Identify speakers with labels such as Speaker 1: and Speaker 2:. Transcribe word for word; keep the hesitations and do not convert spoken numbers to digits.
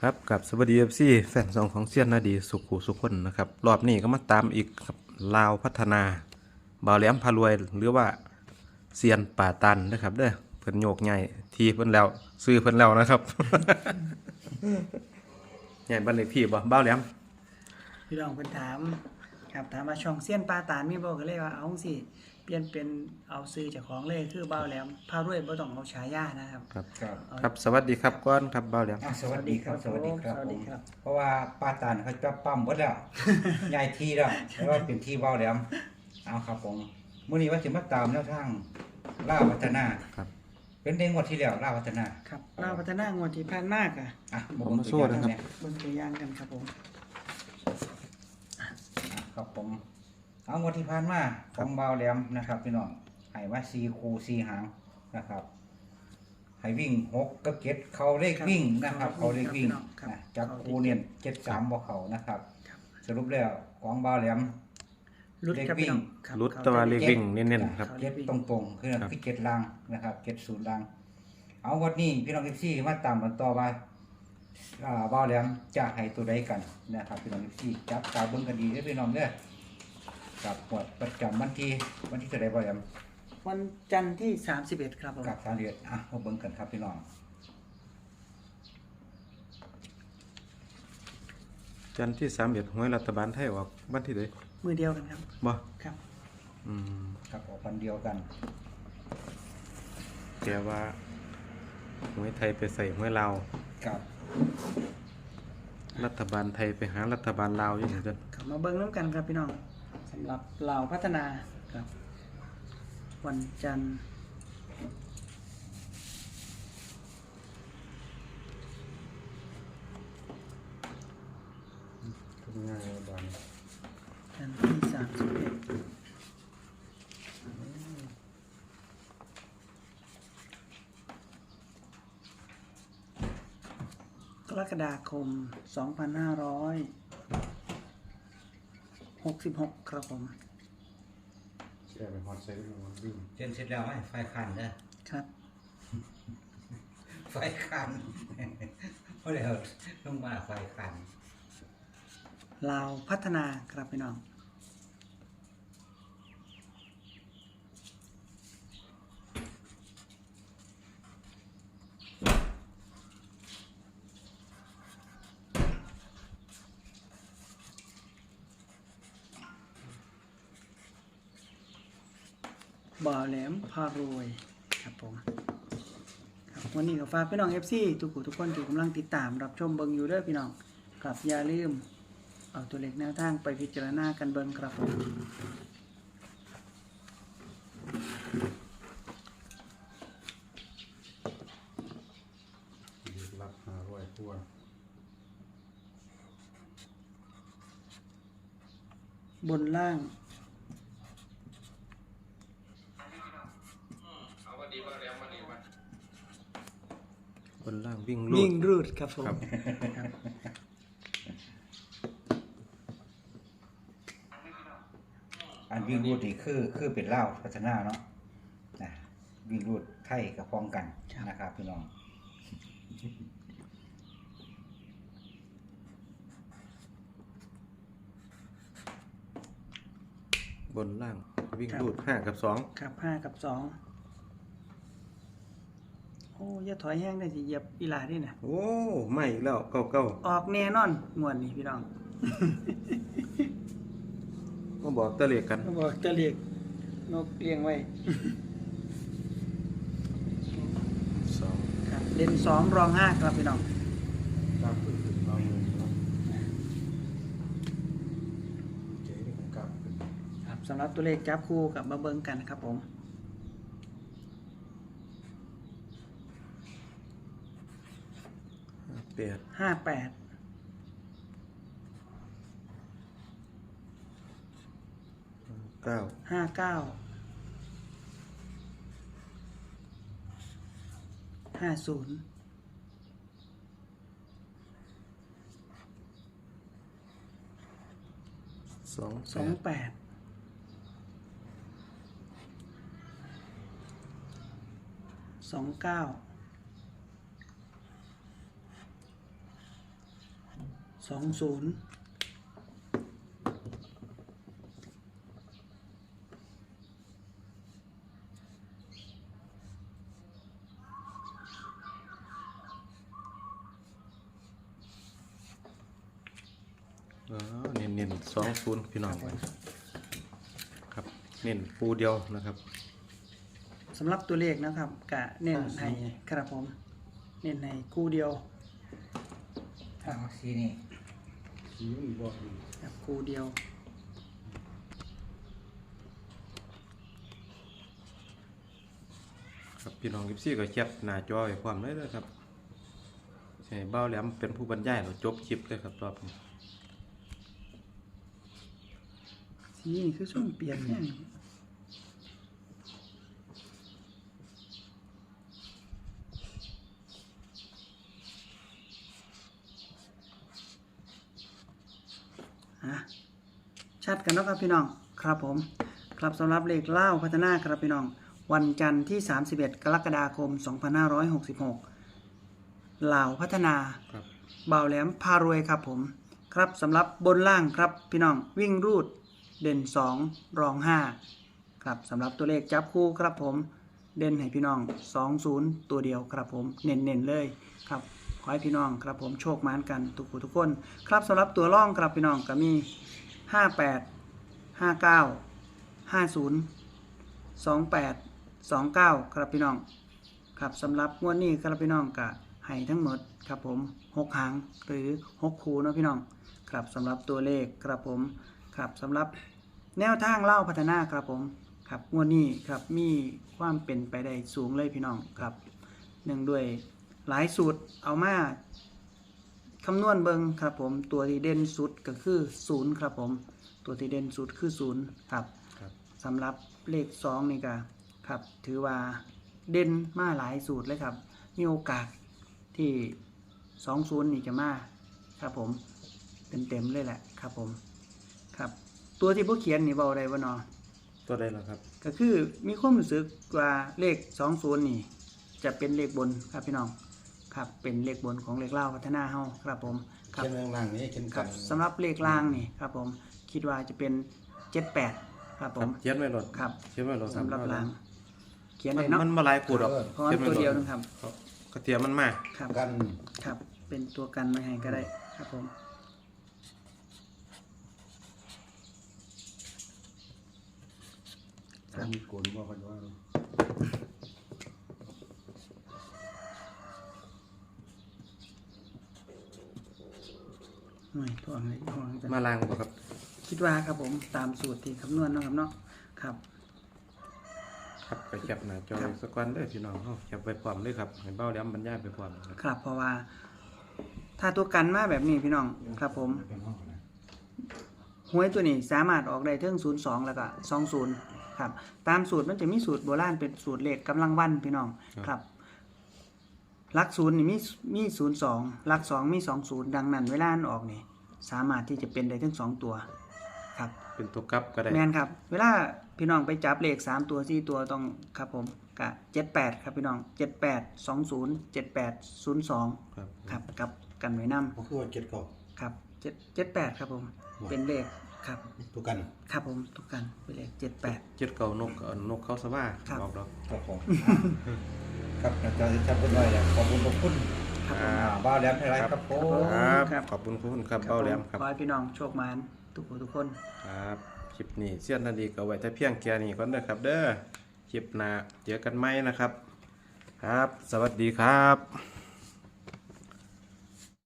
Speaker 1: ครับกับสวัสดีเอฟซีแฟนซองของเซียนนาดีสุขุสุขคนนะครับรอบนี้ก็มาตามอีกครับลาวพัฒนาบ่าวแหลมพารวยหรือว่าเซียนป่าตันนะครับเด้อเพิ่นโยกใหญ่ทีเพิ่นแล้วซื้อเพิ่นแล้วนะครับ ใหญ่บันเลขที่บ่บ่าวแหลม
Speaker 2: พี่น้องเพิ่นถามครับถามว่าช่องเซียนปลาตานมีบ่ก็เลยว่าเอาสิเปลี่ยนเป็นเอาซื้อเจ้าของเลยคือเบาแหลมพารวยบ่ต้องเอาฉายานะครับ
Speaker 1: ครับ
Speaker 3: ครับ
Speaker 1: ครับสวัสดีครับก้อนครับบ่าวแหลม
Speaker 3: อ่ะสวัสดีครับ สวัสดีครับ
Speaker 2: สวัส
Speaker 3: ผ
Speaker 2: ดี
Speaker 3: ม
Speaker 2: ครับ
Speaker 3: เพราะว่าป้าตานเขาจะปั๊มหมดแล้ว ใหญ่ทีแล้วแล้วว่าเป็นที่เบาแหลมเอาครับผมมื้อนี้ว่าสิมาตามแนวทางล่าวพัฒนา
Speaker 1: ครับ
Speaker 3: เป็นในงวดที่แล้วล่าวพัฒนา
Speaker 2: ครับลาวพัฒนางวดที่ผ่านมากอ่ะ
Speaker 3: อ่ะ
Speaker 1: ผมมาสู้นะครับ
Speaker 3: เย
Speaker 2: เบิ่งตัวอย่างกันครับผม
Speaker 3: อ่ะครับผมเอางวดที่ผ่านมาของเบาแหลมนะครับพี่น้องให้ว่าสี่คูสี่หางนะครับให้วิ่งหกกับเจ็ดเขาเลขวิ่งนะครับเขาเลขวิ่งนะจับคูเนี่ยเจ็ดสามบ่เขานะครับ
Speaker 2: ครับ
Speaker 3: สรุปแล้วของเบาแหลม
Speaker 2: รุดครับพี่น้องครับ
Speaker 1: รุดแตะวันเลขวิ่งเน้นๆครับ
Speaker 3: เจ็ดตรงๆคือคือเจ็ดล่างนะครับเจ็ดศูนย์ล่าง เอาวันนี้พี่น้องเอฟซีมาตามกันต่อว่าอ่าบ่าวแหลมจะให้ตัวใดกันนะครับพี่น้องเอฟซีจับตาเบิ่งกันดีเด้อพี่น้องเด้อกับหมวดประจำวันที่วันที่เท่าใดบ่าวแหลม
Speaker 2: วันจันทร์ที่สามสิบเอ็ดครับผม
Speaker 3: กับสามเดือนอ่ะมาเบิ่งกันครับพี่น้อง
Speaker 1: จันทร์ที่สามเอ็ดหวยรัฐบาลไทยออกวันที่ใด
Speaker 2: มือเดียวกันครับ
Speaker 1: บ่
Speaker 2: ครับ
Speaker 1: อืม
Speaker 3: ครับออกวันเดียวกัน
Speaker 1: แกว่าหวยไทยไปใส่หวยลาว
Speaker 3: กับ
Speaker 1: รัฐบาลไทยไปหารัฐบาลลาวอยู่เหมือนกัน
Speaker 2: ครับมาเบิ่งน้ำกันครับพี่น้องสำหรับลาวพัฒนาครับ วันจันทร์
Speaker 1: ทำงานรัฐบาล
Speaker 2: จันทร์ที่สามสิบเอ็ดกรกฎาคม สองพันห้าร้อยหกสิบหก ครับผม
Speaker 1: แกไปฮอดใส่ลูกมันวิ่ง
Speaker 3: เซ็นเสร็จแล้วให้ไฟคันเด้อ
Speaker 2: ครับ
Speaker 3: ไฟคัน เพราะแล้วต้องมาไฟคัน
Speaker 2: ลาวพัฒนาครับพี่น้อง บ่าวแหลมพารวยครับผมครับวันนี้ก็ฝากพี่น้อง เอฟ ซี ทุกผู้ทุกคนที่กำลังติดตามรับชมเบิงอยู่เด้อพี่น้องครับอย่าลืมเอาตัวเลขแนวทางไปพิจารณากันเบิงครับผม
Speaker 1: รับหาร้อยทั่ว
Speaker 2: บนล่าง
Speaker 1: บนล่างวิ่งลู
Speaker 2: วิ่
Speaker 1: ด
Speaker 2: งรูดครับผม
Speaker 1: ครับ
Speaker 2: ครับ
Speaker 3: อันวิ่งรูดนี่คือคือเป็นเล่าวพัฒนาเนาะนะวิ่งรูดไทยกับพ้องกันนะครับพี่น้อง
Speaker 1: บนล่างวิ่งลูดห้ากับสอง
Speaker 2: ครับห้ากับสองโอ้อย่าถอยแห้งได้สิเหยียบอีหลาดิน่ะ
Speaker 1: โอ้ไม่อีกแล้วเก้าเก้า
Speaker 2: ออกแน่นอนงวดนี้พี่น้อง
Speaker 1: มาบอกตะเลกกัน
Speaker 2: ก็บอกจะเรียกนกเลี้ยงไว้
Speaker 1: สอง
Speaker 2: ครับเล่นสองรองห้าครับพี่น้อง
Speaker 1: กล้าขึ้นขึ้นเอาอยู่เนาะเจ๊นี่ผมกล้าขึ้น
Speaker 2: ครับสำหรับตัวเลขจับคู่กับมาเบิงกันครับผม
Speaker 1: แปด
Speaker 2: ห้าแปด
Speaker 1: เก้า
Speaker 2: ห้าเก้า ห้าศูนย์
Speaker 1: สอง
Speaker 2: สองแปด สองเก้าสองศูนย์
Speaker 1: อ๋อเน้นเน้นสองศูนย์พี่น้องไว้ครับเน้นปูเดียวนะครับ
Speaker 2: สำหรับตัวเลขนะครับกะเน้นให้ครับผม เน้นให้คู่เดียว
Speaker 3: เอาสีนี่
Speaker 2: ครับคู่เดียว
Speaker 1: ครับพี่น้องกิฟซี่ก็แคปหน้าจอไว้พร้อมเลยนะครับใช่เบ้าแหลมเป็นผู้บรรยายเราจบคลิปเลยครับรอบนี้
Speaker 2: สีนี่คือช่วงเปลี่ยนเนี่ยฮะชัดกันแล้วครับพี่น้องครับผมครับสำหรับเลขเล่าพัฒนาครับพี่น้อง วันจันทร์ที่สามสิบเอ็ดกรกฎาคมสองพันห้าร้อยหกสิบหกลาวพัฒนา
Speaker 1: ครับ
Speaker 2: บ่าวแหลมพารวยครับผมครับสำหรับบนล่างครับพี่น้องวิ่งรูดเด่นสองรองห้าครับสำหรับตัวเลขจับคู่ครับผมเด่นให้พี่น้องสองศูนย์ตัวเดียวครับผมเน้นๆเลยครับขอให้พี่น้องครับผมโชคมานกันทุกผู้ทุกคนครับสำหรับตัวร่องครับพี่น้องก็มีห้าแปดห้าเก้าห้าศูนย์สองแปดสองเก้าครับพี่น้องครับสำหรับงวดนี้ครับพี่น้องกะให้ทั้งหมดครับผมหกหางหรือหกคูเนาะพี่น้องครับสำหรับตัวเลขครับผมครับสำหรับแนวทางเล่าพัฒนาครับผมครับงวดนี้ครับมีความเป็นไปได้สูงเลยพี่น้องครับเนื่องด้วยหลายสูตรเอามาคำนวณเบิงครับผมตัวที่เด่นสุดก็คือศูนย์ครับผมตัวที่เด่นสุดคือศูนย์ครับ
Speaker 1: ครับ
Speaker 2: สำหรับเลขสองนี่ก็ครับถือว่าเด่นมาหลายสูตรเลยครับมีโอกาสที่สองศูนย์นี่จะมาครับผมเต็มเต็มๆเลยแหละครับผมครับตัวที่ผู้เขียนนี่เบาได้บ่เนาะ
Speaker 1: ตัวใดล่ะครับ
Speaker 2: ก็คือมีความรู้สึกว่าเลขสองศูนย์นี่จะเป็นเลขบนครับพี่น้องครับเป็นเลขบนของเลขเล่าพัฒนาเฮาครับผมครับ
Speaker 4: เขียนล่างๆนี้เขียน
Speaker 2: ครั
Speaker 4: กับ น
Speaker 2: สำหรับเลขล่างนี่ครับผมคิดว่าจะเป็นเจ็ดแปดครับผ
Speaker 1: ครับ
Speaker 2: ม
Speaker 1: เขียนไว้รถ
Speaker 2: ครับ
Speaker 1: เขียนไว้รถ
Speaker 2: สำหรับล่างเขียน
Speaker 1: มั
Speaker 2: ได้
Speaker 1: น
Speaker 2: เนาะ
Speaker 1: มันมาหลายขูดหรอก
Speaker 2: เพราะว่าตัวเดียวนึงครับ
Speaker 1: ครับกระเทียมมันมา
Speaker 2: ครับ
Speaker 4: กัน
Speaker 2: ครับเป็นตัวกันไว้ให้ก็ได้ครับผม
Speaker 4: ถ้ามีโกนว่ากันว่า
Speaker 2: หน่วยตัวอะไรห่วงจัง
Speaker 1: มาล้างบ่ครับ
Speaker 2: คิดว่าครับผมตามสูตรที่คำนวณเนาะครับเนาะครับ
Speaker 1: ครับไปแคปหน้าจอไว้สักวันเด้อพี่น้องเฮาแคปไว้พร้อมเลยครับให้เบ้าแหลมบรรยายไปพร้อมครับ
Speaker 2: ครับเพราะว่า ถ้าตัวกันมาแบบนี้พี่น้องครับผม
Speaker 4: เป็นห้องนะ
Speaker 2: หวยตัวนี้สามารถออกได้เทิงศูนย์สองแล้วก็สองศูนย์ครับตามสูตรมันจะมีสูตรโบราณเป็นสูตรเลขกำลังวันพี่น้องครับหลักศูนย์นี่มีมีศูนย์สองหลักสองมีสองศูนย์ดังนั้นเวลาอันออกนี่สามารถที่จะเป็นได้ทั้งสองตัวครับ
Speaker 1: เป็นตัวกลับก็ได้
Speaker 2: แมนครับ เวลาพี่น้องไปจับเลขสามตัวสี่ตัวต้องครับผมกะเจ็ดแปดครับพี่น้องเจ็ดแปดสองศูนย์เจ็ดแปดศูนย์สอง
Speaker 1: ครับ
Speaker 2: ครับกับกันไว้น
Speaker 4: ก็คือว่าเจ็ดเก่า
Speaker 2: ำครับเจ็ดเจ็ดแปดครับผมเป็นเลขครับ
Speaker 4: ทุกกัน
Speaker 2: ครับผมทุกกันเป็นเลขเจ็ดแปด
Speaker 1: เจ็ดเก่านกเอ่อนกเขาสว่า
Speaker 2: ครับ
Speaker 1: บอกดอก
Speaker 4: ครับผมครับอาจารย์จะชัดเป็นไรแล้วขอบคุณขอบคุณ
Speaker 2: ครับผม
Speaker 4: อ่าบ้าวแหลมไทยไรครับผม
Speaker 1: ครับ
Speaker 2: ครับ
Speaker 1: ขอบคุณคุณครับเบ้าแหลมครับ
Speaker 2: ขอให้พี่น้องโชคมานทุกคนทุกคน
Speaker 1: ครับคลิปนี้เสี้ยนนาดีก็ไว้แต่เพียงแค่นี้ก่อนเด้อครับ เด้อคลิปหน้าเจอกันไหมนะครับ ครับ สวัสดีครับ